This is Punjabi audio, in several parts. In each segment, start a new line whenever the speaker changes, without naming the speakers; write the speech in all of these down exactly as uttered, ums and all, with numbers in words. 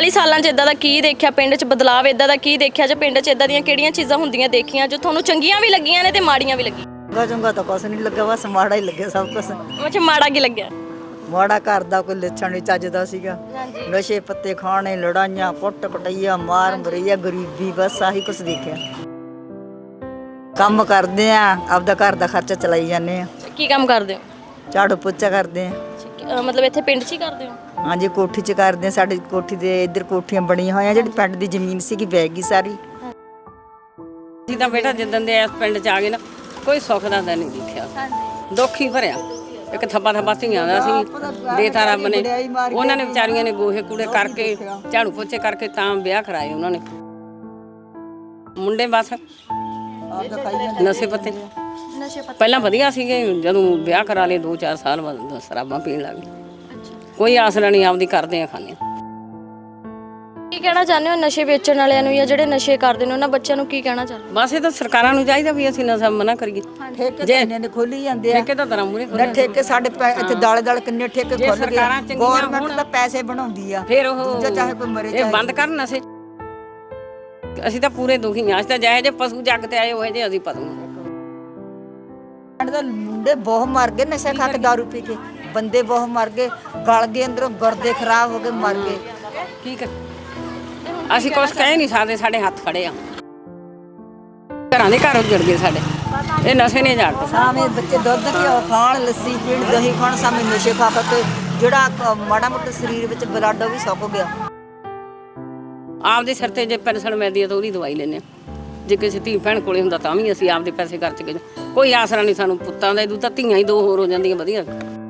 ਚਾਲੀ ਸਾਲਾਂ 'ਚ ਇਦਾਂ ਦਾ ਕੀ ਦੇਖਿਆ ਪਿੰਡ 'ਚ ਬਦਲਾਵ ਇਦਾਂ ਦਾ ਕੀ ਦੇਖਿਆ ਜੇ ਪਿੰਡ 'ਚ ਇਦਾਂ ਦੀਆਂ ਕਿਹੜੀਆਂ ਚੀਜ਼ਾਂ ਹੁੰਦੀਆਂ ਦੇਖੀਆਂ ਜੋ ਤੁਹਾਨੂੰ ਚੰਗੀਆਂ ਵੀ ਲੱਗੀਆਂ ਨੇ ਤੇ ਮਾੜੀਆਂ ਵੀ ਲੱਗੀਆਂ?
ਚੰਗਾ ਚੰਗਾ ਤਾਂ ਕੁਛ ਨਹੀਂ ਲੱਗਾ, ਬਸ ਮਾੜਾ ਹੀ ਲੱਗਿਆ ਸਭ ਕੁਛ।
ਅੱਛਾ, ਮਾੜਾ ਕੀ ਲੱਗਿਆ?
ਮਾੜਾ ਘਰ ਦਾ ਕੋਈ ਲੱਛਣ ਨਹੀਂ ਚੱਜਦਾ ਸੀਗਾ। ਨਸ਼ੇ ਪੱਤੇ ਖਾਣੇ, ਲੜਾਈਆਂ, ਕੁੱਟ ਕਟਈਆ, ਮਾਰ ਮਰਈਆ, ਗਰੀਬੀ, ਬਸ ਆਹੀ ਕੁਛ ਦੇਖਿਆ। ਕੰਮ ਕਰਦੇ ਆ, ਆਪਦਾ ਘਰ ਦਾ ਖਰਚਾ ਚਲਾਈ ਜਾਂਦੇ ਆ।
ਕੀ ਕੰਮ ਕਰਦੇ ਹੋ?
ਝਾੜੂ ਪੋਚਾ ਕਰਦੇ ਆ।
ਅਹ ਮਤਲਬ ਇੱਥੇ ਪਿੰਡ 'ਚ ਹੀ ਕਰਦੇ ਹੋ?
ਹਾਂਜੀ, ਕੋਠੀ 'ਚ ਕਰਦੇ ਆ। ਸਾਡੀ ਕੋਠੀ ਦੇ ਇੱਧਰ ਕੋਠੀਆਂ ਬਣੀਆਂ ਹੋਈਆਂ, ਜਿਹੜੀ ਪਿੰਡ ਦੀ ਜ਼ਮੀਨ ਸੀਗੀ ਵਹਿ ਗਈ ਸਾਰੀ।
ਅਸੀਂ ਤਾਂ ਬੇਟਾ ਜਿੱਦਣ ਦੇ ਇਸ ਪਿੰਡ 'ਚ ਆ ਗਏ ਨਾ, ਕੋਈ ਸੁੱਖ ਦਾ ਤਾਂ ਨਹੀਂ ਦੇਖਿਆ, ਦੁੱਖ ਹੀ ਭਰਿਆ। ਇੱਕ ਥੱਪਾ ਥੱਪਾ ਧੀਆਂ ਦਾ ਸੀ ਦੇਤਾ ਰੱਬ ਨੇ, ਉਹਨਾਂ ਨੇ ਵਿਚਾਰੀਆਂ ਨੇ ਗੋਹੇ ਕੂੜੇ ਕਰਕੇ, ਝਾੜੂ ਪੋਚੇ ਕਰਕੇ ਤਾਂ ਵਿਆਹ ਕਰਾਏ ਉਹਨਾਂ ਨੇ। ਮੁੰਡੇ ਬਸ ਨਸ਼ੇ ਪੱਤੇ
ਨਸ਼ੇ ਪੱਤੇ
ਪਹਿਲਾਂ ਵਧੀਆ ਸੀਗੇ, ਜਦੋਂ ਵਿਆਹ ਕਰਾ ਲਏ ਦੋ ਚਾਰ ਸਾਲ ਬਾਅਦ ਸ਼ਰਾਬਾਂ ਪੀਣ ਲੱਗ ਗਏ। ਕੋਈ ਆਸਰਾ ਨਹੀਂ, ਆਪਦੀ ਕਰਦੇ ਆ ਖਾਂਦੇ ਆ।
ਕੀ ਕਹਿਣਾ ਚਾਹੁੰਦੇ ਹੋ ਨਸ਼ੇ ਵੇਚਣ ਵਾਲਿਆਂ ਨੂੰ ਜਾਂ ਜਿਹੜੇ ਨਸ਼ੇ ਕਰਦੇ ਨੇ ਉਹਨਾਂ ਬੱਚਿਆਂ ਨੂੰ ਕੀ ਕਹਿਣਾ ਚਾਹੁੰਦੇ?
ਬਸ ਇਹ ਤਾਂ ਸਰਕਾਰਾਂ ਨੂੰ ਚਾਹੀਦਾ ਵੀ ਅਸੀਂ ਨਸ਼ਾ ਮਨਾ ਕਰੀਏ।
ਠੇਕੇ ਤਾਂ ਇੰਨੇ ਨੇ ਖੋਲੀ ਜਾਂਦੇ ਆ।
ਠੇਕੇ ਤਾਂ ਤਰ੍ਹਾਂ ਮੂਰੇ
ਨਾ ਠੇਕੇ ਸਾਡੇ ਪੈ- ਇੱਥੇ ਦਾਲੇ ਦਾਲੇ ਕਿੰਨੇ ਠੇਕੇ ਖੁੱਲ
ਸਰਕਾਰਾਂ
ਗਏ।
ਚੰਗੀਆਂ
ਗੌਰਮੈਂਟ ਤਾਂ ਪੈਸੇ ਬਣਾਉਂਦੀ ਆ,
ਫਿਰ ਉਹ
ਦੂਜਾ ਚਾਹੇ ਕੋਈ ਮਰੇ
ਇਹ ਬੰਦ ਕਰਨ ਨਸ਼ੇ। ਅਸੀਂ ਤਾਂ ਪੂਰੇ ਦੁਖੀ ਹਾਂ। ਅਸੀਂ ਤਾਂ ਜਾਏ ਜੇ ਪਸ਼ੂ ਜੱਗ ਤੇ ਆਏ ਹੋਏ ਜੇ ਅਸੀਂ ਪਸ਼ੂ ਹਾਂ।
ਪਿੰਡ ਦੇ ਮੁੰਡੇ ਬਹੁਤ ਮਰ ਗਏ ਨਸ਼ਾ ਖਾ ਕੇ, ਦਾਰੂ ਪੀ ਕੇ। ਬੰਦੇ ਬਹੁਤ ਮਰ ਗਏ, ਗਲ ਗਏ ਅੰਦਰੋਂ, ਗੁਰਦੇ ਖਰਾਬ ਹੋ ਗਏ, ਮਰ ਗਏ।
ਕੀ ਕਰ ਅਸੀਂ ਕੁਛ ਕਹਿ ਨਹੀਂ ਸਕਦੇ, ਸਾਡੇ ਹੱਥ ਖੜੇ ਆ। ਘਰਾਂ ਦੇ ਘਰ ਉੱਜੜ ਗਏ ਸਾਡੇ, ਇਹ ਨਸ਼ੇ ਨੇ ਜਾੜਦੇ।
ਸਾਵੇਂ ਬੱਚੇ ਦੁੱਧ ਘਿਓ ਖਾਣ, ਲੱਸੀ ਪੀਣ, ਦਹੀਂ ਖਾਣ, ਸਾਵੇਂ ਨਸ਼ੇ ਖਾ ਕੇ ਜਿਹੜਾ ਕ- ਮਾੜਾ ਮੋਟਾ ਸਰੀਰ ਵਿੱਚ ਬਲੱਡ ਉਹ ਵੀ ਸੁੱਕ ਗਿਆ।
ਆਪਦੇ ਸਿਰ ਤੇ ਜੇ ਪੈਨਸ਼ਨ ਮਿਲਦੀ ਹੈ ਤਾਂ ਉਹਦੀ ਦਵਾਈ ਲੈਂਦੇ ਹਾਂ। ਜੇ ਕਿਸੇ ਧੀ ਭੈਣ ਕੋਲੇ ਹੁੰਦਾ ਤਾਂ ਵੀ ਅਸੀਂ ਆਪਦੇ ਪੈਸੇ ਖਰਚ ਕੇ, ਕੋਈ ਆਸਰਾ ਨਹੀਂ ਸਾਨੂੰ ਪੁੱਤਾਂ ਦਾ। ਇਹਦੂ ਤਾਂ ਧੀਆਂ ਹੀ ਦੋ ਹੋਰ ਹੋ ਜਾਂਦੀਆਂ ਵਧੀਆ।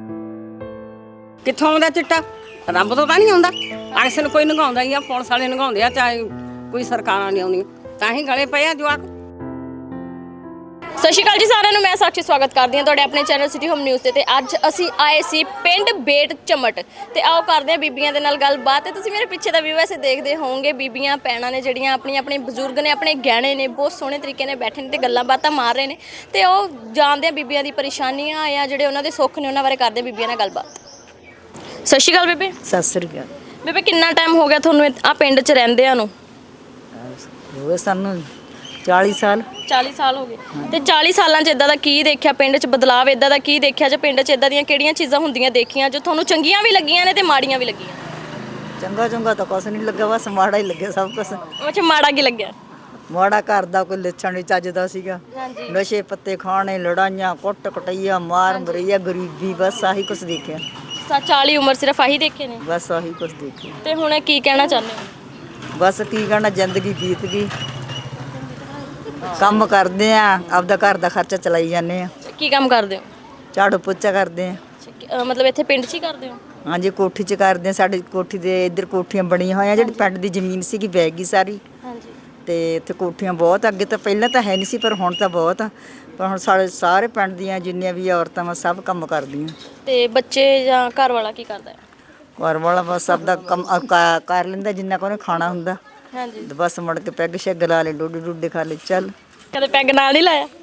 ਕਿੱਥੋਂ ਆਉਂਦਾ ਚਿੱਟਾ? ਰੱਬ ਤੋਂ ਤਾਂ ਨਹੀਂ ਆਉਂਦਾ। ਅਕਸਰ ਕੋਈ ਨਗਾਉਂਦਾ ਹੀ ਆ, ਪੁਲਿਸ ਵਾਲੇ ਨਗਾਉਂਦੇ ਆ, ਚਾਹੇ ਕੋਈ ਸਰਕਾਰਾਂ ਨਹੀਂ ਆਉਂਦੀਆਂ, ਤਾਂ ਹੀ ਗਲੇ ਪਏ ਆ ਜਵਾਕ।
ਸਤਿ ਸ਼੍ਰੀ ਅਕਾਲ ਜੀ ਸਾਰਿਆਂ ਨੂੰ, ਮੈਂ ਸਾਖੀ ਸਵਾਗਤ ਕਰਦੀ ਹਾਂ ਤੁਹਾਡੇ ਆਪਣੇ ਚੈਨਲ ਸਿਟੀ ਹੋਮ ਨਿਊਜ਼ ਤੇ। ਤੇ ਅੱਜ ਅਸੀਂ ਆਏ ਸੀ ਪਿੰਡ ਬੇਟ ਚਮਟ ਤੇ ਆਓ ਕਰਦੇ ਹਾਂ ਬੀਬੀਆਂ ਦੇ ਨਾਲ ਗੱਲਬਾਤ। ਤੇ ਤੁਸੀਂ ਮੇਰੇ ਪਿੱਛੇ ਦਾ ਵਿਊ ਐਸੇ ਦੇਖਦੇ ਹੋਵੋਗੇ, ਬੀਬੀਆਂ ਭੈਣਾਂ ਨੇ ਜਿਹੜੀਆਂ ਆਪਣੀ ਆਪਣੇ ਬਜ਼ੁਰਗ ਨੇ, ਆਪਣੇ ਗਹਿਣੇ ਨੇ, ਬਹੁਤ ਸੋਹਣੇ ਤਰੀਕੇ ਨਾਲ ਬੈਠੇ ਨੇ ਤੇ ਗੱਲਾਂ ਬਾਤਾਂ ਮਾਰ ਰਹੇ ਨੇ। ਤੇ ਉਹ ਜਾਣਦੇ ਆ ਬੀਬੀਆਂ ਦੀ ਪਰੇਸ਼ਾਨੀਆਂ ਆ ਜਿਹੜੇ ਉਹਨਾਂ ਦੇ ਸੁੱਖ ਨੇ, ਉਹਨਾਂ ਬਾਰੇ ਕਰਦੇ ਆ ਬੀਬੀਆਂ ਨਾਲ ਗੱਲਬਾਤ। ਸਤਿ ਸ਼੍ਰੀ ਅਕਾਲ ਬੇਬੇ।
ਸਤਿ ਸ੍ਰੀ ਅਕਾਲ।
ਬੇਬੇ ਕਿੰਨਾ ਟਾਈਮ ਹੋ ਗਿਆ ਤੁਹਾਨੂੰ ਆ ਪਿੰਡ 'ਚ ਰਹਿੰਦਿਆਂ ਨੂੰ?
ਹੋ ਗਏ ਸਾਨੂੰ ਚਾਲੀ ਸਾਲ।
ਚਾਲੀ ਸਾਲ ਹੋ ਗਏ। ਤੇ ਚਾਲੀ ਸਾਲਾਂ 'ਚ ਇਦਾਂ ਦਾ ਕੀ ਦੇਖਿਆ ਪਿੰਡ 'ਚ ਬਦਲਾਵ ਇਦਾਂ ਦਾ ਕੀ ਦੇਖਿਆ ਜੇ ਪਿੰਡ 'ਚ ਇਦਾਂ ਦੀਆਂ ਕਿਹੜੀਆਂ ਚੀਜ਼ਾਂ ਹੁੰਦੀਆਂ ਦੇਖੀਆਂ ਜੋ ਤੁਹਾਨੂੰ ਚੰਗੀਆਂ ਵੀ ਲੱਗੀਆਂ ਨੇ ਤੇ ਮਾੜੀਆਂ ਵੀ ਲੱਗੀਆਂ?
ਚੰਗਾ ਚੰਗਾ ਤਾਂ ਕੁਛ ਨਹੀਂ ਲੱਗਾ, ਬਸ ਮਾੜਾ ਹੀ ਲੱਗਿਆ ਸਭ ਕੁਛ।
ਅੱਛਾ, ਮਾੜਾ ਕੀ ਲੱਗਿਆ?
ਮਾੜਾ ਘਰ ਦਾ ਕੋਈ ਲੱਛਣ ਨਹੀਂ ਚੱਜਦਾ ਸੀਗਾ। ਨਸ਼ੇ ਪੱਤੇ ਖਾਣੇ, ਲੜਾਈਆਂ, ਕੁੱਟ ਕਟਈਆ, ਮਾਰ ਮਰਈਆ, ਗਰੀਬੀ, ਬਸ ਆਹੀ ਕੁਛ ਦੇਖਿਆ।
ਸਾ ਚਾਲੀ ਉਮਰ ਸਿਰਫ ਆਹੀ ਦੇਖੇ ਨੇ?
ਬਸ ਆਹੀ ਕੁਛ ਦੇਖਿਆ।
ਤੇ ਹੁਣ ਕੀ ਕਹਿਣਾ ਚਾਹੁੰਦੇ ਹੋ?
ਬਸ ਕੀ ਕਹਿਣਾ, ਜ਼ਿੰਦਗੀ ਬੀਤ ਗਈ। ਕੰਮ ਕਰਦੇ ਆ, ਆਪਦਾ ਘਰ ਦਾ ਖਰਚਾ ਚਲਾਈ ਜਾਂਦੇ ਆ।
ਕੀ ਕੰਮ ਕਰਦੇ ਹੋ?
ਝਾੜੂ ਪੋਚਾ ਕਰਦੇ ਆ।
ਅਹ ਮਤਲਬ ਇੱਥੇ ਪਿੰਡ 'ਚ ਹੀ ਕਰਦੇ ਹੋ?
ਹਾਂਜੀ, ਕੋਠੀ 'ਚ ਕਰਦੇ ਆ। ਸਾਡੀ ਕੋਠੀ ਦੇ ਇੱਧਰ ਕੋਠੀਆਂ ਬਣੀਆਂ ਹੋਈਆਂ, ਜਿਹੜੀ ਪਿੰਡ ਦੀ ਜ਼ਮੀਨ ਸੀਗੀ ਵਹਿ ਗਈ ਸਾਰੀ।
ਹਾਂਜੀ।
ਤੇ ਇੱਥੇ ਕੋਠੀਆਂ ਬਹੁਤ, ਅੱਗੇ ਤਾਂ ਪਹਿਲਾਂ ਤਾਂ ਹੈ ਨਹੀਂ ਸੀ ਪਰ ਹੁਣ ਤਾਂ ਬਹੁਤ ਆ। ਪਰ ਹੁਣ ਸਾਡੇ ਸਾਰੇ ਪਿੰਡ ਦੀਆਂ ਜਿੰਨੀਆਂ ਵੀ ਔਰਤਾਂ ਵਾ ਸਭ ਕੰਮ ਕਰਦੀਆਂ।
ਤੇ ਬੱਚੇ ਜਾਂ ਘਰ ਵਾਲਾ ਕੀ ਕਰਦਾ ਹੈ?
ਘਰ ਵਾਲਾ ਬਸ ਆਪਦਾ ਕੰਮ ਅ, ਕ- ਕਰ ਲੈਂਦਾ ਜਿੰਨਾ ਕੁ ਉਹਨੇ ਖਾਣਾ ਹੁੰਦਾ।
ਹਾਂਜੀ।
ਤੇ ਬਸ ਮੁੜ ਕੇ ਪੈਗ ਸ਼ੈਗ ਲਾ ਲੈ, ਡੋਡੇ ਡੋਡੇ ਖਾ ਲੈ, ਚੱਲ।
ਕਦੇ ਪੈਗ ਨਾਲ ਨਹੀਂ ਲਾਇਆ?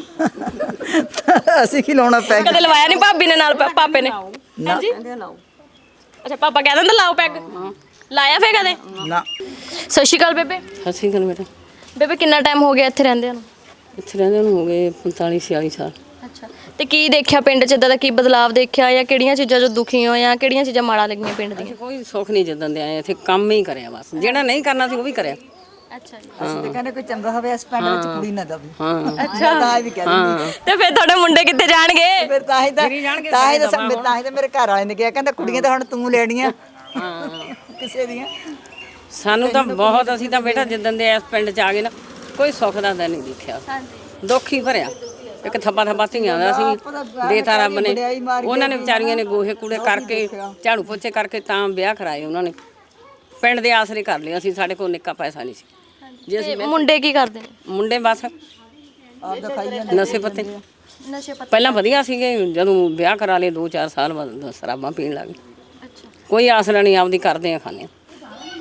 ਅਸੀਂ ਕੀ ਲਾਉਣਾ ਪੈਗ?
ਕਦੇ ਲਵਾਇਆ ਨਹੀਂ ਭਾਬੀ ਨੇ ਨਾਲ ਪਾ- ਪਾਪੇ ਨੇ?
ਨਾ
ਅੱਛਾ, ਪਾਪਾ ਕਹਿ ਦਿੰਦਾ ਲਾਓ ਪੈਗ, ਲਾਇਆ ਫੇ ਕਦੇ?
ਨਾ।
ਸਤਿ ਸ਼੍ਰੀ ਅਕਾਲ ਬੇਬੇ।
ਅਸੀਂ ਗੱਲ ਬੇਟਾ
ਬੇਬੇ ਕਿੰਨਾ ਟਾਈਮ ਹੋ ਗਿਆ ਇੱਥੇ ਰਹਿੰਦਿਆਂ ਨੂੰ?
ਇੱਥੇ ਰਹਿੰਦੇ ਨੂੰ ਹੋ ਗਏ ਪੰਤਾਲੀ ਛਿਆਲੀ ਸਾਲ।
ਅੱਛਾ, ਤੇ ਕੀ ਦੇਖਿਆ ਪਿੰਡ 'ਚ ਇਦਾਂ ਦਾ ਕੀ ਬਦਲਾਵ ਦੇਖਿਆ ਜਾਂ ਕਿਹੜੀਆਂ ਚੀਜ਼ਾਂ ਜੋ ਦੁਖੀ ਹੋ ਜਾਂ ਕਿਹੜੀਆਂ ਚੀਜ਼ਾਂ ਮਾੜਾ ਲੱਗੀਆਂ ਪਿੰਡ ਦੀਆਂ?
ਕੋਈ ਸੁੱਖ ਨਹੀਂ ਜਿੱਦਣ ਦੇ ਆਏ, ਇੱਥੇ ਕੰਮ ਹੀ ਕਰਿਆ ਬਸ। ਜਿਹੜਾ ਨਹੀਂ ਕਰਨਾ ਸੀ ਉਹ ਵੀ ਕਰਿਆ।
ਅੱਛਾ ਜੀ।
ਅਸੀਂ ਤਾਂ ਕਹਿੰਦੇ ਕੋਈ ਚੰਗਾ ਹੋਵੇ ਇਸ ਪਿੰਡ ਵਿੱਚ ਕੁੜੀ ਨਾ ਦਵੇ।
ਹਾਂ
ਅੱਛਾ,
ਤਾਂ ਇਹ ਵੀ ਕਹਿ ਦਿੰਦੀ।
ਤੇ ਫਿਰ ਤੁਹਾਡੇ ਮੁੰਡੇ ਕਿੱਥੇ ਜਾਣਗੇ?
ਫਿਰ ਤਾਂ ਹੀ ਤਾਂ ਤਾਂ ਹੀ ਤਾਂ ਸਭ- ਤਾਂ ਹੀ ਤਾਂ ਮੇਰੇ ਘਰ ਵਾਲੇ ਨੇ ਕਿਹਾ, ਕਹਿੰਦਾ ਕੁੜੀਆਂ ਤਾਂ ਹੁਣ ਤੂੰ ਲੈਣੀਆਂ ਕਿਸੇ ਦੀਆਂ।
ਸਾਨੂੰ ਤਾਂ ਬਹੁਤ, ਅਸੀਂ ਤਾਂ ਬੇਟਾ ਜਿੱਦਣ ਦੇ ਇਸ ਪਿੰਡ 'ਚ ਆ ਗਏ ਨਾ, ਕੋਈ ਸੁੱਖ ਦਾ ਤਾਂ ਨਹੀਂ ਦੇਖਿਆ, ਦੁੱਖ ਹੀ ਭਰਿਆ। ਇੱਕ ਥੱਪਾ ਥੱਪਾ ਧੀਆਂ ਦਾ ਸੀ ਦੇਤਾ ਰੱਬ ਨੇ, ਉਹਨਾਂ ਨੇ ਵਿਚਾਰੀਆਂ ਨੇ ਗੋਹੇ ਕੂੜੇ ਕਰਕੇ, ਝਾੜੂ ਪੋਚੇ ਕਰਕੇ ਤਾਂ ਵਿਆਹ ਕਰਾਏ ਉਹਨਾਂ ਨੇ। ਪਿੰਡ ਦੇ ਆਸਰੇ ਕਰ ਲਿਆ ਸੀ, ਸਾਡੇ ਕੋਲ ਨਿੱਕਾ ਪੈਸਾ ਨਹੀਂ ਸੀ। ਜੇ ਅਸੀਂ
ਮੁੰਡੇ ਕੀ ਕਰਦੇ ਨੇ?
ਮੁੰਡੇ ਬਸ
ਆਪਦਾ ਖਾਈ ਜਾਂਦੇ
ਨਸ਼ੇ ਪੱਤੇ
ਨਸ਼ੇ ਪੱਤੇ।
ਪਹਿਲਾਂ ਵਧੀਆ ਸੀਗੇ, ਜਦੋਂ ਵਿਆਹ ਕਰਾ ਲਏ ਦੋ ਚਾਰ ਸਾਲ ਬਾਅਦ ਸ਼ਰਾਬਾਂ ਪੀਣ ਲੱਗ ਗਏ।
ਅੱਛਾ,
ਕੋਈ ਆਸਰਾ ਨਹੀਂ, ਆਪਦੀ ਕਰਦੇ ਆ ਖਾਂਦੇ ਆ।
ਤੇ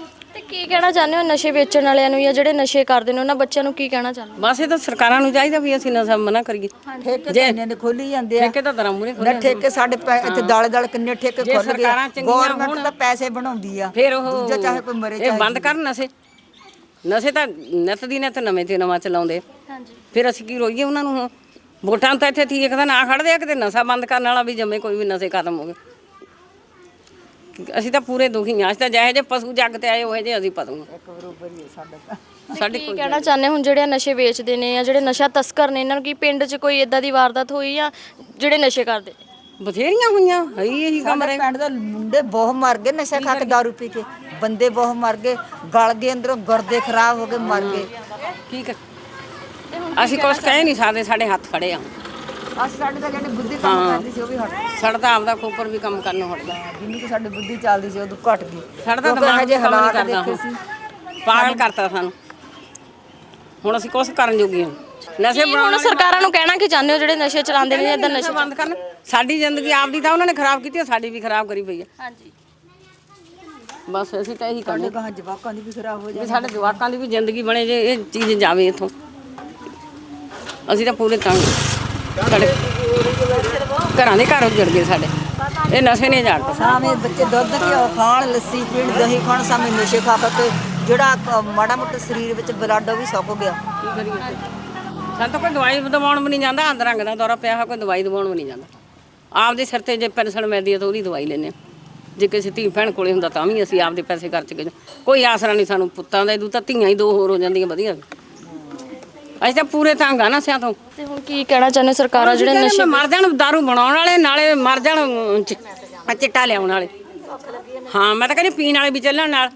ਕੀ ਕਹਿਣਾ ਚਾਹੁੰਦੇ ਹੋ ਨਸ਼ੇ ਵੇਚਣ ਵਾਲਿਆਂ ਨੂੰ ਜਾਂ ਜਿਹੜੇ ਨਸ਼ੇ ਕਰਦੇ ਨੇ ਉਹਨਾਂ ਬੱਚਿਆਂ ਨੂੰ ਕੀ ਕਹਿਣਾ ਚਾਹੁੰਦੇ
ਬਸ ਇਹ ਤਾਂ ਸਰਕਾਰਾਂ ਨੂੰ ਚਾਹੀਦਾ ਵੀ ਅਸੀਂ ਨਸ਼ਾ ਮਨਾ ਕਰੀਏ।
ਠੇਕੇ ਤੇ ਇੰਨੇ ਨੇ ਖੋਲੀ ਜਾਂਦੇ ਆ
ਠੇਕੇ ਤਾਂ ਦਰਾਂ ਮੂਰੇ
ਨਾ ਠੇਕੇ ਸਾਡੇ ਪੈ- ਇੱਥੇ ਦਾਲੇ ਦਾਲੇ ਕਿੰਨੇ ਠੇਕੇ ਖੁੱਲ ਗਏ
ਸਰਕਾਰਾਂ ਚੰਗੀਆਂ
ਗਵਰਨਮੈਂਟ ਤਾਂ ਪੈਸੇ ਬਣਾਉਂਦੀ ਆ
ਫਿਰ ਉਹ
ਦੂਜਾ ਚਾਹੇ ਕੋਈ ਮਰੇ
ਇਹ ਬੰਦ ਕਰਨ ਨਸ਼ੇ ਨਸ਼ੇ ਤਾਂ ਨਿੱਤ ਦੀ ਨਿੱਤ ਨਵੇਂ ਤੇ ਨਵਾਂ ਚਲਾਉਂਦੇ।
ਹਾਂਜੀ
ਫਿਰ ਅਸੀਂ ਕੀ ਰੋਈਏ ਉਹਨਾਂ ਨੂੰ ਹੁਣ? ਵੋਟਾਂ ਤਾਂ ਇੱਥੇ ਠੀਕ ਦਾ ਨਾ ਖੜਦੇ ਆ, ਕਿਤੇ ਨਸ਼ਾ ਬੰਦ ਕਰਨ ਵਾਲਾ ਵੀ ਜੰਮੇ ਕੋਈ ਵੀ ਨਸ਼ੇ ਖਤਮ ਹੋ ਗਏ। ਅਸੀਂ ਤਾਂ ਪੂਰੇ ਦੁਖੀ ਹਾਂ। ਅਸੀਂ ਤਾਂ ਜਿਹੇ ਜਿਹੇ ਪਸ਼ੂ ਜੱਗ ਤੇ ਆਏ ਉਹ ਜਿਹੇ ਅਸੀਂ ਪਸ਼ੂ ਹਾਂ।
ਬਰੋਬਰ ਹੀ ਸਾਡਾ ਤਾਂ
ਸਾਡੀ
ਕੀ ਕਹਿਣਾ ਚਾਹੁੰਦੇ ਹੁਣ ਜਿਹੜੇ ਨਸ਼ੇ ਵੇਚਦੇ ਨੇ ਜਾਂ ਜਿਹੜੇ ਨਸ਼ਾ ਤਸਕਰ ਨੇ ਇਹਨਾਂ ਨੂੰ ਕੀ ਪਿੰਡ 'ਚ ਕੋਈ ਇਦਾਂ ਦੀ ਵਾਰਦਾਤ ਹੋਈ ਜਾਂ ਜਿਹੜੇ ਨਸ਼ੇ ਕਰਦੇ ਨੇ?
ਬਥੇਰੀਆਂ ਹੋਈਆਂ ਹੈ ਹੀ ਇਹੀ ਕੰਮ
ਸਾਡੇ ਪਿੰਡ ਦੇ ਮੁੰਡੇ ਬਹੁਤ ਮਰ ਗਏ ਨਸ਼ਾ ਖਾ ਕੇ ਦਾਰੂ ਪੀ ਕੇ ਬੰਦੇ ਬਹੁਤ ਮਰ ਗਏ ਗਲ ਗਏ ਅੰਦਰੋਂ ਗੁਰਦੇ ਖਰਾਬ ਹੋ ਗਏ ਮਰ ਗਏ
ਕੀ ਕਰ ਅਸੀਂ ਕੁਛ ਕਹਿ ਨਹੀਂ ਸਕਦੇ, ਸਾਡੇ ਹੱਥ ਖੜੇ ਆ।
ਅਸੀਂ ਸਾਡੇ ਤਾਂ ਜਿਹੜੀ ਬੁੱਧੀ ਕੰਮ ਕਰਦੀ ਸੀ ਉਹ ਵੀ ਹਟ ਗਈ
ਸਾਡਾ ਤਾਂ ਆਪਦਾ ਖੋਪਰ ਵੀ ਕੰਮ ਕਰਨੋਂ ਹਟਦਾ।
ਜਿੰਨੀ ਕਿ ਸਾਡੀ ਬੁੱਧੀ ਚੱਲਦੀ ਸੀ ਉਦੋਂ ਘਟ ਗਈ
ਸਾਡਾ ਤਾਂ
ਕਿਉਂਕਿ
ਦਿਮਾਗ
ਹਜੇ
ਕੰਮ ਨਹੀਂ
ਹਾਲਾਤ
ਕਰਦਾ
ਦੇਖੇ
ਹੁਣ।
ਸੀ
ਪਾਗਲ ਕਰਤਾ ਸਾਨੂੰ। ਹੁਣ ਅਸੀਂ ਕੁਛ ਕਰਨ ਜੋਗੇ ਹਾਂ। ਨਸ਼ੇ
ਕੀ ਹੁਣ ਸਰਕਾਰਾਂ ਨੂੰ ਕਹਿਣਾ ਕੀ ਚਾਹੁੰਦੇ ਹੋ ਜਿਹੜੇ ਨਸ਼ੇ ਚਲਾਉਂਦੇ ਨੇ ਜਾਂ ਇਦਾਂ ਨਸ਼ੇ
ਬੰਦ ਕਰਨ। ਸਾਡੀ ਜ਼ਿੰਦਗੀ ਆਪਦੀ ਤਾਂ ਉਹਨਾਂ ਨੇ ਖਰਾਬ ਕੀਤੀ, ਸਾਡੀ ਵੀ ਖਰਾਬ ਕਰੀ ਪਈ ਆ।
ਹਾਂਜੀ
ਬਸ ਅਸੀਂ ਤਾਂ ਇਹੀ ਕਹਿੰਦੇ
ਕਹਾਂ ਜਵਾਕਾਂ ਦੀ ਵੀ ਖਰਾਬ ਹੋ
ਵੀ ਸਾਡੇ ਜਵਾਕਾਂ ਦੀ ਵੀ ਜ਼ਿੰਦਗੀ ਬਣੇ, ਜੇ ਇਹ ਚੀਜ਼ ਜਾਵੇ ਇੱਥੋਂ। ਅਸੀਂ ਤਾਂ ਪੂਰੇ ਤੰਗ ਸਾਡੇ ਘਰਾਂ ਦੇ ਘਰ ਉੱਜੜ ਗਏ ਸਾਡੇ, ਇਹ ਨਸ਼ੇ ਨੇ ਜਾਣ।
ਸਾਵੇਂ ਬੱਚੇ ਦੁੱਧ ਘਿਓ ਖਾਣ ਲੱਸੀ ਪੀਣ ਦਹੀਂ ਖਾਣ ਸਾਵੇਂ ਨਸ਼ੇ ਖਾ ਖਾ ਕੇ ਜਿਹੜਾ ਕ- ਮਾੜਾ ਮੋਟਾ ਸਰੀਰ ਵਿੱਚ ਬਲੱਡ ਉਹ ਵੀ ਸੁੱਕ ਗਿਆ
ਕੀ ਕਰੀਏ? ਸਾਨੂੰ ਤਾਂ ਕੋਈ ਦਵਾਈ ਦਵਾਉਣ ਵੀ ਨਹੀਂ ਜਾਂਦਾ। ਅੰਦਰ ਰੰਗ ਦਾ ਦੌਰਾ ਪਿਆ ਹੋਇਆ, ਕੋਈ ਦਵਾਈ ਦਵਾਉਣ ਵੀ ਨਹੀਂ ਜਾਂਦਾ। ਆਪਦੇ ਸਿਰ ਤੇ ਜੇ ਪੈਨਸ਼ਨ ਮਿਲਦੀ ਹੈ ਤਾਂ ਉਹਦੀ ਦਵਾਈ ਲੈਂਦੇ ਹਾਂ। ਜੇ ਕਿਸੇ ਧੀ ਭੈਣ ਕੋਲੇ ਹੁੰਦਾ ਤਾਂ ਵੀ ਅਸੀਂ ਆਪਦੇ ਪੈਸੇ ਖਰਚ ਕੇ ਕੋਈ ਆਸਰਾ ਨਹੀਂ ਸਾਨੂੰ ਪੁੱਤਾਂ ਦਾ। ਇਦੋਂ ਤਾਂ ਧੀਆਂ ਹੀ ਦੋ ਹੋਰ ਹੋ ਜਾਂਦੀਆਂ ਵਧੀਆ। ਅਸੀਂ ਤਾਂ ਪੂਰੇ ਤੰਗ ਆ ਨਸ਼ਿਆਂ ਤੋਂ।
ਤੇ ਹੁਣ ਕੀ ਕਹਿਣਾ ਚਾਹੁੰਦੇ ਸਰਕਾਰਾਂ ਜਿਹੜੇ ਨਸ਼ੇ
ਮਰ ਜਾਣ ਦਾਰੂ ਬਣਾਉਣ ਵਾਲੇ, ਨਾਲੇ ਮਰ ਜਾਣ ਚਿ- ਚਿੱਟਾ ਲਿਆਉਣ ਵਾਲੇ। ਹਾਂ ਮੈਂ ਤਾਂ ਕਹਿੰਦੀ ਪੀਣ ਵਾਲੇ ਵੀ ਚੱਲਣ ਨਾਲ।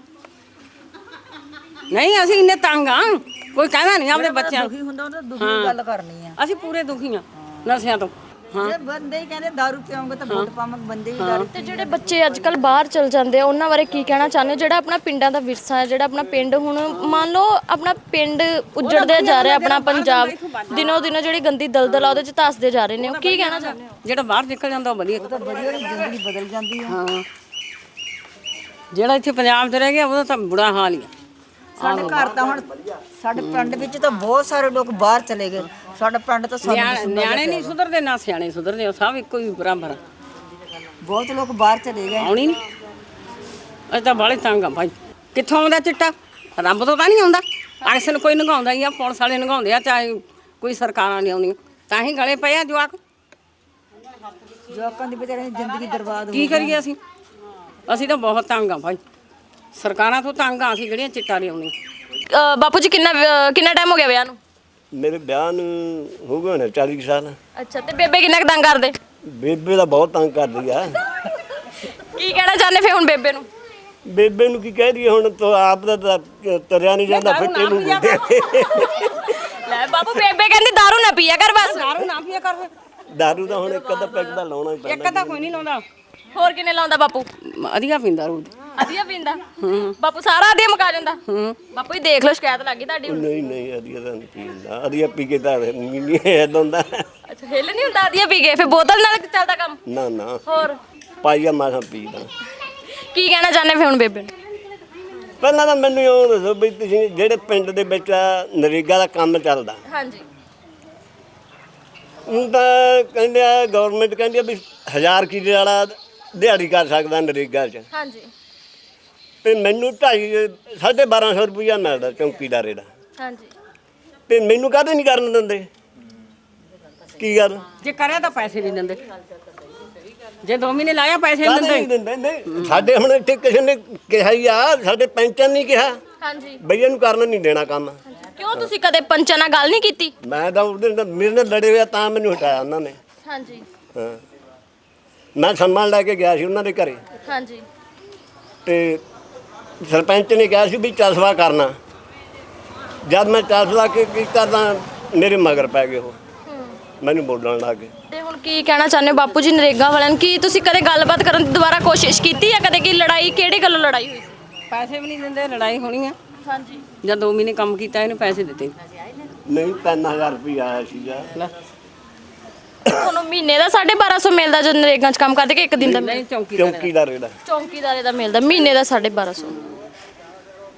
ਨਹੀਂ ਅਸੀਂ ਇੰਨੇ ਤੰਗ ਆ, ਕੋਈ ਕਹਿੰਦਾ ਨਹੀਂ ਆਪਦੇ ਬੱਚਿਆਂ ਨੂੰ।
ਦੁਖੀ ਹੁੰਦਾ ਉਹਦਾ ਦੁਖੀ ਗੱਲ ਕਰਨੀ ਆ
ਅਸੀਂ ਪੂਰੇ ਦੁਖੀ ਆ ਨਸ਼ਿਆਂ ਤੋਂ। ਹਾਂ
ਜੇ ਬੰਦੇ ਹੀ ਕਹਿੰਦੇ ਦਾਰੂ ਪੀਓਗੇ ਤਾਂ ਵੋਟ ਪਾਵਾਂਗੇ, ਬੰਦੇ ਹੀ ਦਾਰੂ
ਤੇ ਜਿਹੜੇ ਬੱਚੇ ਅੱਜ ਕੱਲ ਬਾਹਰ ਚਲ ਜਾਂਦੇ ਆ ਉਹਨਾਂ ਬਾਰੇ ਕੀ ਕਹਿਣਾ ਚਾਹੁੰਦੇ ਹੋ? ਜਿਹੜਾ ਆਪਣਾ ਪਿੰਡਾਂ ਦਾ ਵਿਰਸਾ ਹੈ, ਜਿਹੜਾ ਆਪਣਾ ਪਿੰਡ ਹੁਣ ਮੰਨ ਲਓ ਆਪਣਾ ਪਿੰਡ ਉੱਜੜਦੇ ਜਾ ਰਿਹਾ, ਆਪਣਾ ਪੰਜਾਬ ਦਿਨੋਂ ਦਿਨੋਂ ਜਿਹੜੀ ਗੰਦੀ ਦਲਦਲ ਆ ਉਹਦੇ ਚ ਧੱਸਦੇ ਜਾ ਰਹੇ ਨੇ। ਉਹ ਕੀ ਕਹਿਣਾ ਚਾਹੁੰਦੇ ਹੋ?
ਜਿਹੜਾ ਬਾਹਰ ਨਿਕਲ ਜਾਂਦਾ ਉਹ ਵਧੀਆ।
ਤਾਂ ਵਧੀਆ ਜ਼ਿੰਦਗੀ ਬਦਲ ਜਾਂਦੀ ਆ
ਹਾਂ ਜਿਹੜਾ ਇੱਥੇ ਪੰਜਾਬ 'ਚ ਰਹਿ ਗਿਆ ਉਹਦਾ ਤਾਂ ਬੁਰਾ ਹਾਲ ਹੀ ਆ।
ਸਾਡੇ ਘਰ ਤਾਂ ਹੁਣ ਸਾਡੇ ਪਿੰਡ ਵਿੱਚ ਤਾਂ ਬਹੁਤ ਸਾਰੇ ਲੋਕ ਬਾਹਰ ਚਲੇ ਗਏ। ਸਾਡਾ ਪਿੰਡ ਤਾਂ ਸਾਨੂੰ
ਨਿਆ- ਨਿਆਣੇ ਨਹੀਂ ਸੁਧਰਦੇ ਨਾ ਸਿਆਣੇ ਸੁਧਰਦੇ, ਉਹ ਸਭ ਇੱਕੋ ਹੀ ਬਰਾਬਰ ਆ।
ਬਹੁਤ ਲੋਕ ਬਾਹਰ ਚਲੇ ਗਏ।
ਆਉਣੀ ਨਹੀਂ। ਅਸੀਂ ਤਾਂ ਬਾਹਲੇ ਤੰਗ ਆ ਭਾਈ। ਕਿੱਥੋਂ ਆਉਂਦਾ ਚਿੱਟਾ? ਰੱਬ ਤੋਂ ਤਾਂ ਨਹੀਂ ਆਉਂਦਾ। ਅਕਸਰ ਕੋਈ ਨਗਾਉਂਦਾ ਹੀ ਆ, ਪੁਲਿਸ ਵਾਲੇ ਨਗਾਉਂਦੇ ਆ, ਚਾਹੇ ਕੋਈ ਸਰਕਾਰਾਂ ਨਹੀਂ ਆਉਂਦੀਆਂ। ਤਾਂ ਹੀ ਗਲੇ ਪਏ ਆ ਜਵਾਕ।
ਜਵਾਕਾਂ ਦੀ ਵਿਚਾਰਿਆਂ ਦੀ ਜ਼ਿੰਦਗੀ ਬਰਬਾਦ ਹੋ
ਕੀ ਕਰੀਏ ਅਸੀਂ? ਅਸੀਂ ਤਾਂ ਬਹੁਤ ਤੰਗ ਆ ਭਾਈ। ਸਰਕਾਰਾਂ ਤੋਂ ਤੰਗ ਆ ਅਸੀਂ ਜਿਹੜੀਆਂ ਚਿੱਟਾ ਲਿਆਉਂਦੀਆਂ।
ਅਹ ਬਾਪੂ ਜੀ ਕਿੰਨਾ ਅਹ ਕਿੰਨਾ ਟਾਈਮ ਹੋ ਗਿਆ ਵਿਆਹ ਨੂੰ?
ਮੇਰੇ ਵਿਆਹ ਨੂੰ ਹੋ ਗਏ ਹੋਣੇ ਚਾਲੀ ਕੁ ਸਾਲ।
ਅੱਛਾ ਤੇ ਬੇਬੇ ਕਿੰਨਾ ਕੁ ਤੰਗ ਕਰਦੇ?
ਬੇਬੇ ਦਾ ਬਹੁਤ ਤੰਗ ਕਰਦੀ ਆ।
ਕੀ ਕਹਿਣਾ ਚਾਹੁੰਦੇ ਫੇ ਹੁਣ ਬੇਬੇ ਨੂੰ?
ਬੇਬੇ ਨੂੰ ਕੀ ਕਹਿ ਦਈਏ ਹੁਣ, ਤਾਂ ਆਪ ਦਾ ਤਾਂ ਤਰਿਆ ਨਹੀਂ ਜਾਂਦਾ ਫਿੱਟੇ ਨੂੰ।
ਲੈ ਬਾਪੂ ਬੇਬੇ ਕਹਿੰਦੀ ਦਾਰੂ ਨਾ ਪੀਆ ਕਰ ਬਸ।
ਦਾਰੂ ਨਾ ਪੀਆ ਕਰ।
ਦਾਰੂ ਦਾ ਹੁਣ ਇੱਕ ਅੱਧਾ ਪੈਕ ਦਾ ਲਾਉਣਾ ਹੀ
ਇੱਕ
ਪੈਂਦਾ।
ਤਾਂ ਕੋਈ ਨਹੀਂ ਲਾਉਂਦਾ।
ਹੋਰ ਕਿੰਨੇ ਲਾਉਂਦਾ ਬਾਪੂ?
ਵਧੀਆ ਪੀਂਦਾ ਰੋਜ਼।
ਅਧੀਆ ਪੀਂਦਾ ਬਾਪੂ, ਸਾਰਾ ਅਧੀਆ ਮੁਕਾ ਜਾਂਦਾ। ਬਾਪੂ ਜੀ ਦੇਖ ਲਓ ਸ਼ਿਕਾਇਤ ਲੱਗੀ ਤੁਹਾਡੀ ਹੁਣ।
ਨਹੀਂ ਨਹੀਂ ਅਧੀਆ ਤਾਂ ਨਹੀਂ ਪੀਂਦਾ। ਅਧੀਆ ਪੀ ਕੇ ਤਾਂ ਨਹੀਂ ਏਦਾਂ ਹੁੰਦਾ।
ਅੱਛਾ ਹਿੱਲ ਨਹੀਂ ਹੁੰਦਾ ਅਧੀਆ ਪੀ ਕੇ, ਫੇ ਬੋਤਲ ਨਾਲ ਚੱਲਦਾ ਕੰਮ?
ਨਾ ਨਾ
ਹੋਰ
ਪਾਈਆ ਮਾਸਾਂ ਪੀਦਾ।
ਕੀ ਕਹਿਣਾ ਚਾਹੁੰਦੇ ਫੇ ਹੁਣ ਬੇਬੇ ਨੂੰ?
ਪਹਿਲਾਂ ਤਾਂ ਮੈਨੂੰ ਇਹ ਦੱਸੋ ਵੀ ਤੁਸੀਂ ਜਿਹੜੇ ਪਿੰਡ ਦੇ ਵਿੱਚ ਨਰੇਗਾ ਦਾ ਕੰਮ ਚੱਲਦਾ,
ਹਾਂਜੀ
ਹੁਣ ਤਾਂ ਕਹਿੰਦੇ ਆ ਗਵਰਨਮੈਂਟ ਕਹਿੰਦੀ ਆ ਵੀ ਹਜ਼ਾਰ ਕਿੱਲੇ ਵਾਲਾ ਦਿਹਾੜੀ ਕਰ ਸਕਦਾ ਨਰੇਗਾ 'ਚ,
ਹਾਂਜੀ
ਤੇ ਮੈਨੂੰ ਢਾਈ ਸਾਢੇ ਬਾਰਾਂ ਸੌ ਰੁਪਈਆ ਮਿਲਦਾ ਚੌਂਕੀਦਾਰੇ ਦਾ,
ਹਾਂਜੀ
ਤੇ ਮੈਨੂੰ ਕਾਹਦੇ ਨਹੀਂ ਕਰਨ ਦਿੰਦੇ? ਕੀ ਗੱਲ
ਜੇ ਕਰਿਆ ਤਾਂ ਪੈਸੇ ਨਹੀਂ ਦਿੰਦੇ। ਜੇ ਦੋ ਮਹੀਨੇ ਲਾਇਆ ਪੈਸੇ ਨਹੀਂ
ਕਾਹਦੇ ਨਹੀਂ
ਦਿੰਦੇ।
ਦਿੰਦੇ? ਨਹੀਂ ਸਾਡੇ ਹੁਣ ਇੱਥੇ ਕਿਸੇ ਨੇ ਕਿਹਾ ਹੀ ਆ, ਸਾਡੇ ਪੈਂਚਨ ਨਹੀਂ ਕਿਹਾ
ਹਾਂਜੀ
ਬਈ ਇਹਨੂੰ ਕਰਨ ਨਹੀਂ ਦੇਣਾ ਕੰਮ।
ਕਿਉਂ ਤੁਸੀਂ ਕਦੇ ਪੰਚਾਂ ਨਾਲ ਗੱਲ ਨਹੀਂ ਕੀਤੀ?
ਮੈਂ ਤਾਂ ਉਹਦੇ ਨਾਲ ਮੇਰੇ ਨਾਲ ਲੜੇ ਹੋਇਆ ਤਾਂ ਮੈਨੂੰ ਹਟਾਇਆ ਉਹਨਾਂ ਨੇ।
ਹਾਂਜੀ
ਹਾਂ ਮੈਂ ਸਨਮਾਨ ਲੈ ਕੇ ਗਿਆ ਸੀ ਉਹਨਾਂ ਦੇ ਘਰੇ,
ਹਾਂਜੀ
ਤੇ ਸਰਪੰਚ ਨੇ ਕਿਹਾ ਸੀ ਵੀ ਚਸਵਾ ਕਰਨਾ। ਜਦ ਮੈਂ ਚਸਵਾ ਕੇ ਕੀਤਾ ਤਾਂ ਮੇਰੇ ਮਗਰ ਪੈ ਗਏ, ਉਹ ਮੈਨੂੰ ਬੋਲਣ ਲੱਗ ਗਏ।
ਤੇ ਹੁਣ ਕੀ ਕਹਿਣਾ ਚਾਹੁੰਦੇ ਹੋ ਬਾਪੂ ਜੀ ਨਰੇਗਾ ਵਾਲਿਆਂ ਨੂੰ? ਕੀ ਤੁਸੀਂ ਕਦੇ ਗੱਲਬਾਤ ਕਰਨ ਦੀ ਦੁਬਾਰਾ ਕੋਸ਼ਿਸ਼ ਕੀਤੀ ਹੈ ਕਦੇ? ਕੀ ਲੜਾਈ ਕਿਹੜੀ ਗੱਲੋਂ ਲੜਾਈ ਹੋਈ ਸੀ?
ਪੈਸੇ ਵੀ ਨਹੀਂ ਦਿੰਦੇ, ਲੜਾਈ ਹੋਣੀ ਆ।
ਹਾਂਜੀ
ਜਦ ਦੋ ਮਹੀਨੇ ਕੰਮ ਕੀਤਾ ਇਹਨੂੰ ਪੈਸੇ ਦਿੱਤੇ
ਨਹੀਂ ਤਿੰਨ ਹਜ਼ਾਰ ਰੁਪਈਆ ਆਇਆ ਸੀਗਾ।
ਲੈ
ਤੁਹਾਨੂੰ ਮਹੀਨੇ ਦਾ ਸਾਢੇ ਬਾਰਾਂ ਸੌ ਮਿਲਦਾ ਜਦ ਨਰੇਗਾ 'ਚ ਕੰਮ ਕਰਦੇ ਕਿ ਇੱਕ ਦਿਨ ਦਾ?
ਨਹੀਂ ਚੌਂਕੀ
ਚੌਂਕੀਦਾਰੇ ਦਾ
ਚੌਂਕੀਦਾਰੇ ਦਾ ਮਿਲਦਾ ਮਹੀਨੇ ਦਾ ਸਾਢੇ ਬਾਰਾਂ ਸੌ।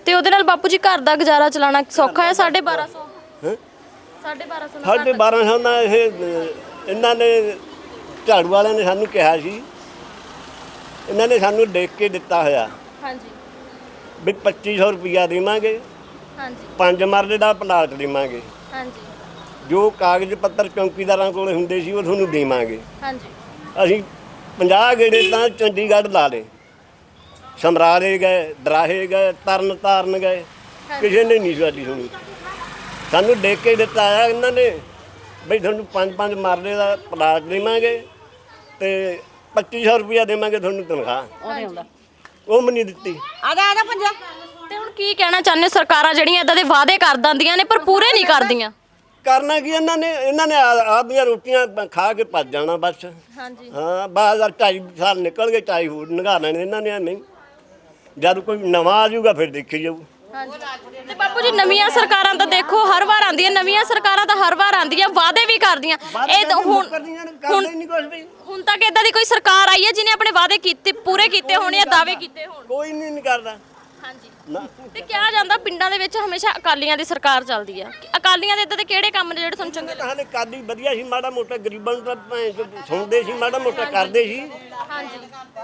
ਤੇ ਉਹਦੇ ਨਾਲ ਬਾਪੂ ਜੀ ਘਰ ਦਾ ਗੁਜ਼ਾਰਾ ਚਲਾਉਣਾ ਸੌਖਾ ਹੈ? ਸਾਢੇ ਬਾਰਾਂ ਸੌ
ਹੈਂ?
ਸਾਢੇ ਬਾਰਾਂ ਸੌ ਨਾਲ
ਸਾਢੇ ਬਾਰਾਂ ਸੌ ਨਾਲ ਇਹ ਅਹ, ਇਹਨਾਂ ਨੇ ਝਾੜੂ ਵਾਲਿਆਂ ਨੇ ਸਾਨੂੰ ਕਿਹਾ ਸੀ, ਇਹਨਾਂ ਨੇ ਸਾਨੂੰ ਲਿਖ ਕੇ ਦਿੱਤਾ ਹੋਇਆ
ਹਾਂਜੀ
ਵੀ ਪੱਚੀ ਸੌ ਰੁਪਈਆ ਦੇਵਾਂਗੇ,
ਹਾਂਜੀ
ਪੰਜ ਮਰਲੇ ਦਾ ਪਲਾਟ ਦੇਵਾਂਗੇ,
ਹਾਂਜੀ
ਜੋ ਕਾਗਜ਼ ਪੱਤਰ ਚੌਂਕੀਦਾਰਾਂ ਕੋਲ ਹੁੰਦੇ ਸੀ ਉਹ ਤੁਹਾਨੂੰ ਦੇਵਾਂਗੇ।
ਹਾਂਜੀ
ਅਸੀਂ ਪੰਜਾਹ ਗੇੜੇ ਤਾਂ ਚੰਡੀਗੜ੍ਹ ਲਾ ਲਏ, ਸਮਰਾਲੇ ਗਏ, ਦਰਾਹੇ ਗਏ, ਤਰਨ ਤਾਰਨ ਗਏ, ਕਿਸੇ ਨੇ ਨਹੀਂ ਸਾਡੀ ਸੁਣੀ। ਸਾਨੂੰ ਲਿਖ ਕੇ ਦਿੱਤਾ ਆ ਇਹਨਾਂ ਨੇ ਬਈ ਤੁਹਾਨੂੰ ਪੰਜ ਪੰਜ ਮਰਲੇ ਦਾ ਪਲਾਟ ਦੇਵਾਂਗੇ ਤੇ ਪੱਚੀ ਸੌ ਰੁਪਇਆ ਦੇਵਾਂਗੇ ਤੁਹਾਨੂੰ ਤਨਖਾਹ।
ਉਹਦੇ ਹੁੰਦਾ
ਉਹ ਵੀ ਨਹੀਂ ਦਿੱਤੀ।
ਆ ਜਾ ਆ ਜਾ ਪੰਜਾ।
ਤੇ ਹੁਣ ਕੀ ਕਹਿਣਾ ਚਾਹੁੰਦੇ ਹੋ? ਸਰਕਾਰਾਂ ਜਿਹੜੀਆਂ ਇਦਾਂ ਦੇ ਵਾਅਦੇ ਕਰ ਦਿੰਦੀਆਂ ਨੇ ਪਰ ਪੂਰੇ ਨਹੀਂ ਕਰਦੀਆਂ।
ਕਰਨਾ ਕੀ ਇਹਨਾਂ ਨੇ, ਇਹਨਾਂ ਨੇ ਆ- ਆਪਦੀਆਂ ਰੋਟੀਆਂ ਖਾ ਕੇ ਭੱਜ ਜਾਣਾ ਬਸ।
ਹਾਂਜੀ
ਹਾਂ ਬਾਹਰ ਢਾਈ ਸਾਲ ਨਿਕਲ ਗਏ, ਢਾਈ ਹੋਰ ਨਿਗਾਹ ਲੈਣੇ ਇਹਨਾਂ ਨੇ। ਨਹੀਂ ਜਦ ਕੋਈ ਨਵਾਂ ਆ ਜਾਊਗਾ ਫਿਰ ਦੇਖੀ ਜਾਊ।
ਤੇ ਬਾਪੂ ਜੀ ਨਵੀਆਂ ਸਰਕਾਰਾਂ ਤਾਂ ਦੇਖੋ ਹਰ ਵਾਰ ਆਉਂਦੀਆਂ, ਨਵੀਆਂ ਸਰਕਾਰਾਂ ਤਾਂ ਹਰ ਵਾਰ ਆਉਂਦੀਆਂ, ਵਾਅਦੇ ਵੀ ਕਰਦੀਆਂ। ਇਹ ਤਾਂ ਹੁਣ ਹੁਣ
ਨਹੀਂ ਕੁਝ ਵੀ,
ਹੁਣ ਤੱਕ ਇਦਾਂ ਦੀ ਕੋਈ ਸਰਕਾਰ ਆਈ ਹੈ ਜਿਹਨੇ ਆਪਣੇ ਵਾਅਦੇ ਕੀਤੇ ਪੂਰੇ ਕੀਤੇ ਹੋਣ ਜਾਂ ਦਾਅਵੇ ਕੀਤੇ ਹੋਣ?
ਕੋਈ ਨਹੀਂ ਨਹੀਂ ਕਰਦਾ
ਹਾਂਜੀ
ਨਾ।
ਤੇ ਕਿਹਾ ਜਾਂਦਾ ਪਿੰਡਾਂ ਦੇ ਵਿੱਚ ਹਮੇਸ਼ਾ ਅਕਾਲੀਆਂ ਦੀ ਸਰਕਾਰ ਚੱਲਦੀ ਆ। ਕਿ ਅਕਾਲੀਆਂ ਦੇ ਇਦਾਂ ਦੇ ਕਿਹੜੇ ਕੰਮ ਨੇ ਜਿਹੜੇ ਤੁਹਾਨੂੰ ਚੰਗੇ ਲੱਗਦੇ?
ਹਾਲੇ ਕਾਦੀ ਵਧੀਆ ਸੀ, ਮਾੜਾ ਮੋਟਾ ਗਰੀਬਾਂ ਨੂੰ ਤਾਂ ਭੈਣ ਚੋਦ ਸੁਣਦੇ ਸੀ, ਮਾੜਾ ਮੋਟਾ ਕਰਦੇ ਸੀ।
ਹਾਂਜੀ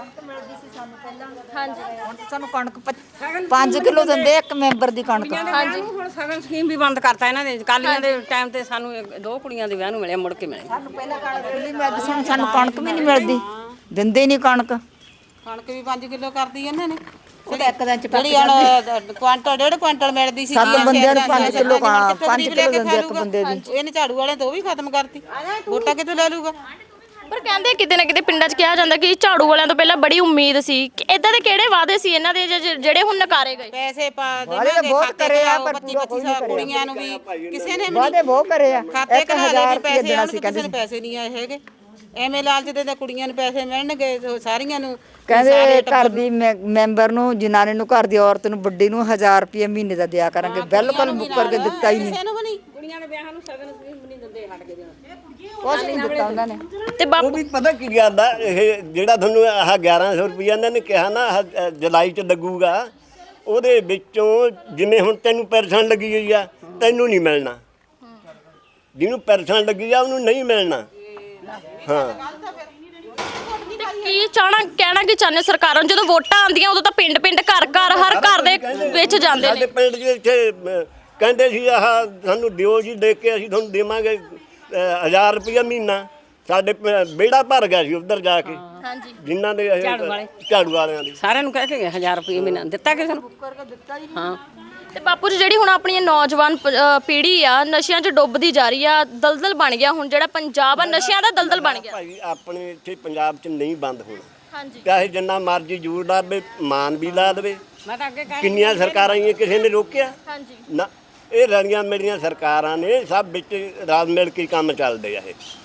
ਹਾਂਜੀ
ਹੁਣ ਤਾਂ ਸਾਨੂੰ ਕਣਕ ਪੰਜ ਕਿਲੋ ਦਿੰਦੇ ਇੱਕ ਮੈਂਬਰ ਦੀ ਕਣਕ।
ਹਾਂਜੀ ਹੁਣ ਸਗਨ ਸਕੀਮ ਵੀ ਬੰਦ ਕਰਤਾ ਇਹਨਾਂ ਨੇ। ਕਾਲੀਆਂ ਦੇ ਟਾਈਮ ਤੇ ਸਾਨੂੰ ਇੱਕ- ਦੋ ਕੁੜੀਆਂ ਦੇ ਵਿਆਹ ਨੂੰ ਮਿਲਿਆ, ਮੁੜ ਕੇ ਮਿਲੇ।
ਸਾਨੂੰ ਪਹਿਲਾਂ ਕਣਕ ਨਹੀਂ ਮਿਲਦੀ ਸੀ, ਹੁਣ ਸਾਨੂੰ ਕਣਕ ਵੀ ਨਹੀਂ ਮਿਲਦੀ, ਦਿੰਦੇ ਨਹੀਂ ਕਣਕ।
ਕਣਕ ਵੀ ਪੰਜ ਕਿਲੋ ਕਰਦੀ ਇਹਨਾਂ ਨੇ।
ਉਹਦਾ ਇੱਕ ਦਿਨ ਚ ਪੱਕ
ਜਿਹੜੀ ਹੁਣ ਕੁਆਂਟਲ ਡੇਢ ਕੁਆਂਟਲ ਮਿਲਦੀ ਸੀ
ਸੱਤ ਬੰਦਿਆਂ ਨੂੰ ਪੰਜ ਕਿਲੋ ਕਾ ਪੰਜ ਕਿਲੋ ਦਿੰਦੇ ਇੱਕ ਬੰਦੇ ਦੀ।
ਇਹਨੇ ਝਾੜੂ ਵਾਲਿਆਂ ਤੋਂ ਉਹ ਵੀ ਖਤਮ ਕਰਤੀ। ਵੋਟਾਂ ਕਿੱਥੋਂ ਲੈ ਲੂਗਾ?
ਪਰ ਕਹਿੰਦੇ ਕਿਤੇ ਨਾ ਕਿਤੇ ਪਿੰਡਾਂ 'ਚ ਕਿਹਾ ਜਾਂਦਾ ਕਿ ਝਾੜੂ ਵਾਲਿਆਂ ਤੋਂ ਪਹਿਲਾਂ ਬੜੀ ਉਮੀਦ ਸੀ। ਇਦਾਂ ਦੇ ਕਿਹੜੇ ਵਾਅਦੇ ਸੀ ਇਹਨਾਂ ਦੇ ਜ- ਜਿਹੜੇ ਹੁਣ ਨਕਾਰੇ ਗਏ?
ਪੈਸੇ ਪਾ
ਵਾਅਦੇ ਤਾਂ
ਦੇਵਾਂਗੇ
ਬਹੁਤ
ਖਾਤੇ
ਕਰੇ ਆ,
ਚ
ਪਰ
ਪੱਚੀ
ਪੂਰਾ ਕੋਈ
ਪੱਚੀ
ਨਹੀਂ
ਕੁੜੀਆਂ ਨੂੰ ਵੀ ਕਿਸੇ ਨੇ ਵੀ
ਵਾਅਦੇ ਬਹੁਤ ਕਰੇ ਆ।
ਖਾਤੇ
ਇੱਕ
ਕਢਾ
ਹਜ਼ਾਰ
ਲਏ ਵੀ
ਰੁਪਏ
ਪੈਸੇ
ਦੇਣਾ
ਆਉਣ,
ਸੀ
ਕਿਸੇ
ਕਹਿੰਦੇ
ਨੂੰ ਪੈਸੇ ਨਹੀਂ ਆਏ ਹੈਗੇ। ਐਵੇਂ ਲਾਲਚ ਦੇ ਤਾਂ ਕੁੜੀਆਂ ਨੂੰ ਪੈਸੇ ਮਿਲਣਗੇ ਤੇ ਸਾਰੀਆਂ ਨੂੰ
ਕਹਿੰਦੇ ਘਰ ਦੀ ਮੈ- ਮੈਂਬਰ ਨੂੰ, ਜਨਾਨੀ ਨੂੰ, ਘਰ ਦੀ ਔਰਤ ਨੂੰ, ਵੱਡੀ ਨੂੰ ਹਜ਼ਾਰ ਰੁਪਏ ਮਹੀਨੇ ਦਾ ਦਿਆ ਕਰਾਂਗੇ। ਬਿਲਕੁਲ ਮੁੱਕ ਕਰਕੇ ਦਿੱਤਾ ਹੀ ਨਹੀਂ,
ਕਿਸੇ ਨੂੰ ਵੀ ਨਹੀਂ।
ਕੁੜੀਆਂ ਦੇ ਵਿਆਹਾਂ ਨੂੰ ਸਗਨ ਸਕੀਮ ਵੀ ਨਹੀਂ ਦਿੰਦੇ, ਹਟ ਕੇ ਦੇਣਾ।
ਕੁਛ ਨਹੀਂ ਦਿੱਤਾ ਉਹਨਾਂ ਨੇ।
ਤੇ
ਉਹ
ਬਾਪੂ
ਵੀ ਪਤਾ ਕੀ ਕਰਦਾ, ਇਹ ਜਿਹੜਾ ਤੁਹਾਨੂੰ ਆਹ ਗਿਆਰਾਂ ਸੌ ਰੁਪਈਆ ਇਹਨਾਂ ਨੇ ਕਿਹਾ ਨਾ ਆਹ, ਅਹ, ਜੁਲਾਈ ਚ ਲੱਗੂਗਾ, ਉਹਦੇ ਵਿੱਚੋਂ ਜਿਵੇਂ ਹੁਣ ਤੈਨੂੰ ਪੈਨਸ਼ਨ ਲੱਗੀ ਹੋਈ ਆ, ਤੈਨੂੰ ਨਹੀਂ ਮਿਲਣਾ। ਜਿਹਨੂੰ ਪੈਨਸ਼ਨ ਲੱਗੀ ਆ ਉਹਨੂੰ ਨਹੀਂ ਮਿਲਣਾ। ਹਾਂ
ਤੇ ਕੀ ਚਾਹਣਾ ਕਹਿਣਾ ਕੀ ਚਾਹੁੰਦੇ ਹੋ ਸਰਕਾਰਾਂ ਨੂੰ? ਜਦੋਂ ਵੋਟਾਂ ਆਉਂਦੀਆਂ ਉਦੋਂ ਤਾਂ ਪਿੰਡ ਪਿੰਡ ਘਰ ਘਰ ਹਰ ਘਰ ਦੇ ਵਿੱਚ ਜਾਂਦੇ
ਸਾਡੇ
ਨੇ।
ਪਿੰਡ 'ਚ ਇੱਥੇ ਅਹ, ਕਹਿੰਦੇ ਸੀ ਆਹ ਸਾਨੂੰ ਦਿਓ ਜੀ, ਦੇ ਕੇ ਅਸੀਂ ਤੁਹਾਨੂੰ ਦੇਵਾਂਗੇ ਅਹ, ਹਜ਼ਾਰ ਰੁਪਈਆ ਮਹੀਨਾ। ਸਾਡੇ ਵਿਹੜਾ ਭਰ ਗਿਆ ਸੀ ਉੱਧਰ ਜਾ ਕੇ,
ਹਾਂਜੀ
ਜਿਨ੍ਹਾਂ ਦੇ ਇਹ
ਝਾੜੂ ਵਾਲੇ।
ਝਾੜੂ ਵਾਲਿਆਂ ਦੀ।
ਸਾਰਿਆਂ ਨੂੰ ਕਹਿ ਕੇ ਗਏ ਹਜ਼ਾਰ ਰੁਪਏ ਮਹੀਨਾ ਦਿੱਤਾ ਕਿਸੇ ਨੂੰ? ਹਾਂ
ਤੇ ਬਾਪੂ ਜੀ ਜਿਹੜੀ ਹੁਣ ਆਪਣੀ ਨੌਜਵਾਨ ਪ- ਅਹ ਪੀੜ੍ਹੀ ਆ ਨਸ਼ਿਆਂ 'ਚ ਡੁੱਬਦੀ ਜਾ ਰਹੀ ਆ, ਦਲਦਲ ਬਣ ਗਿਆ ਹੁਣ ਜਿਹੜਾ ਪੰਜਾਬ ਆ ਨਸ਼ਿਆਂ ਦਾ ਦਲਦਲ ਬਣ ਗਿਆ।
ਭਾਈ ਆਪਣੇ ਇੱਥੇ ਪੰਜਾਬ 'ਚ ਨਹੀਂ ਬੰਦ ਹੋਣਾ,
ਹਾਂਜੀ
ਚਾਹੇ ਜਿੰਨਾ ਮਰਜ਼ੀ ਜ਼ੋਰ ਲਾ ਦੇਵੇ, ਮਾਨ ਵੀ ਲਾ ਦੇਵੇ।
ਮੈਂ ਤਾਂ ਅੱਗੇ ਕਹਿ
ਕਿੰਨੀਆਂ ਸਰਕਾਰਾਂ ਆਈਆਂ, ਕਿਸੇ ਨੇ ਰੋਕਿਆ
ਹਾਂਜੀ
ਨਾ। ਇਹ ਰਲੀਆਂ ਮਿਲੀਆਂ ਸਰਕਾਰਾਂ ਨੇ, ਸਭ ਵਿੱਚ ਰਲ ਮਿਲ ਕੇ ਕੰਮ ਚੱਲਦੇ ਆ ਇਹ।